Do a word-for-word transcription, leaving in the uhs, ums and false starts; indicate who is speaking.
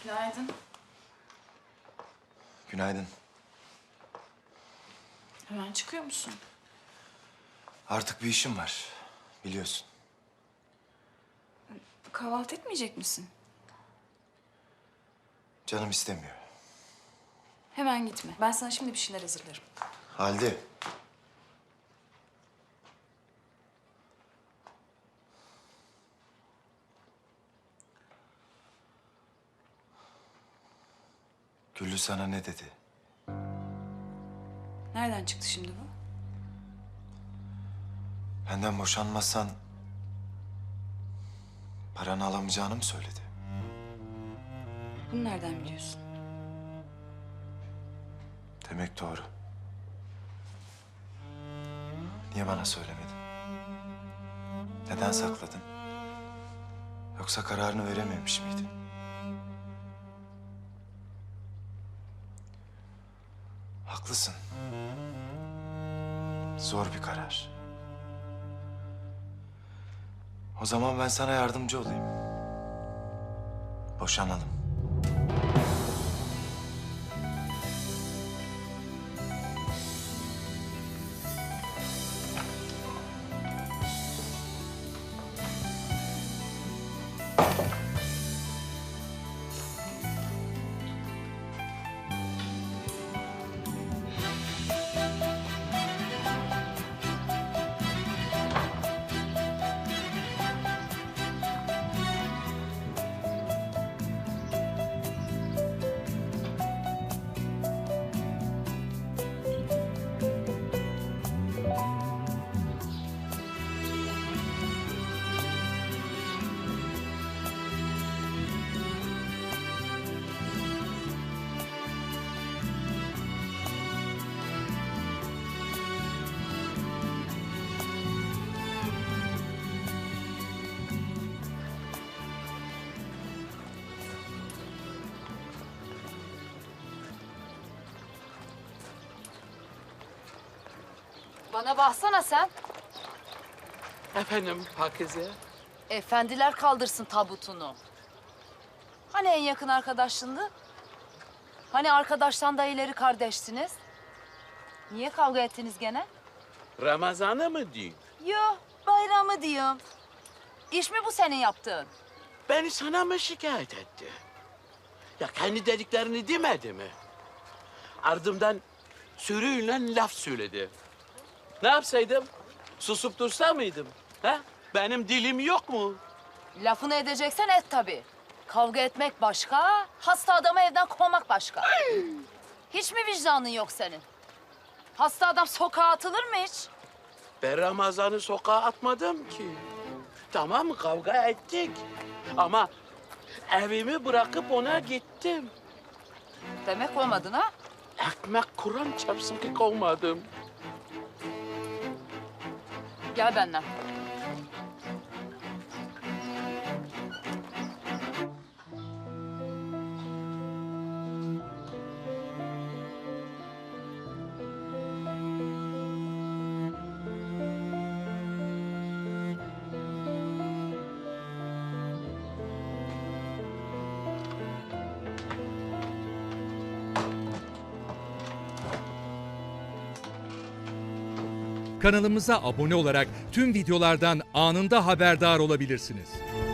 Speaker 1: Günaydın.
Speaker 2: Günaydın.
Speaker 1: Hemen çıkıyor musun?
Speaker 2: Artık bir işim var. Biliyorsun.
Speaker 1: Kahvaltı etmeyecek misin?
Speaker 2: Canım istemiyor.
Speaker 1: Hemen gitme. Ben sana şimdi bir şeyler hazırlarım.
Speaker 2: Halide. Güllü sana ne dedi?
Speaker 1: Nereden çıktı şimdi bu?
Speaker 2: Benden boşanmazsan paranı alamayacağını mı söyledi?
Speaker 1: Bunu nereden biliyorsun?
Speaker 2: Demek doğru. Niye bana söylemedin? Neden sakladın? Yoksa kararını verememiş miydin? Haklısın. Zor bir karar. O zaman ben sana yardımcı olayım. Boşanalım.
Speaker 3: Bana baksana sen.
Speaker 4: Efendim Pakize?
Speaker 3: Efendiler kaldırsın tabutunu. Hani en yakın arkadaşındı? Hani arkadaştan da ileri kardeşsiniz? Niye kavga ettiniz gene?
Speaker 4: Ramazan'ı mı diyeyim?
Speaker 3: Yo, bayramı diyorum. İş mi bu senin yaptığın?
Speaker 4: Beni sana mı şikayet etti? Ya kendi dediklerini demedi mi? Ardımdan sürüyle laf söyledi. Ne yapsaydım? Susup dursa mıydım? Ha? Benim dilim yok mu?
Speaker 3: Lafını edeceksen et tabii. Kavga etmek başka, hasta adamı evden kovmak başka. Hiç mi vicdanın yok senin? Hasta adam sokağa atılır mı hiç?
Speaker 4: Ben Ramazan'ı sokağa atmadım ki. Tamam kavga ettik. Ama evimi bırakıp ona gittim.
Speaker 3: Demek olmadın ha?
Speaker 4: Ekmek Kur'an çarpsın ki kovmadım.
Speaker 3: Gel benden.
Speaker 5: Kanalımıza abone olarak tüm videolardan anında haberdar olabilirsiniz.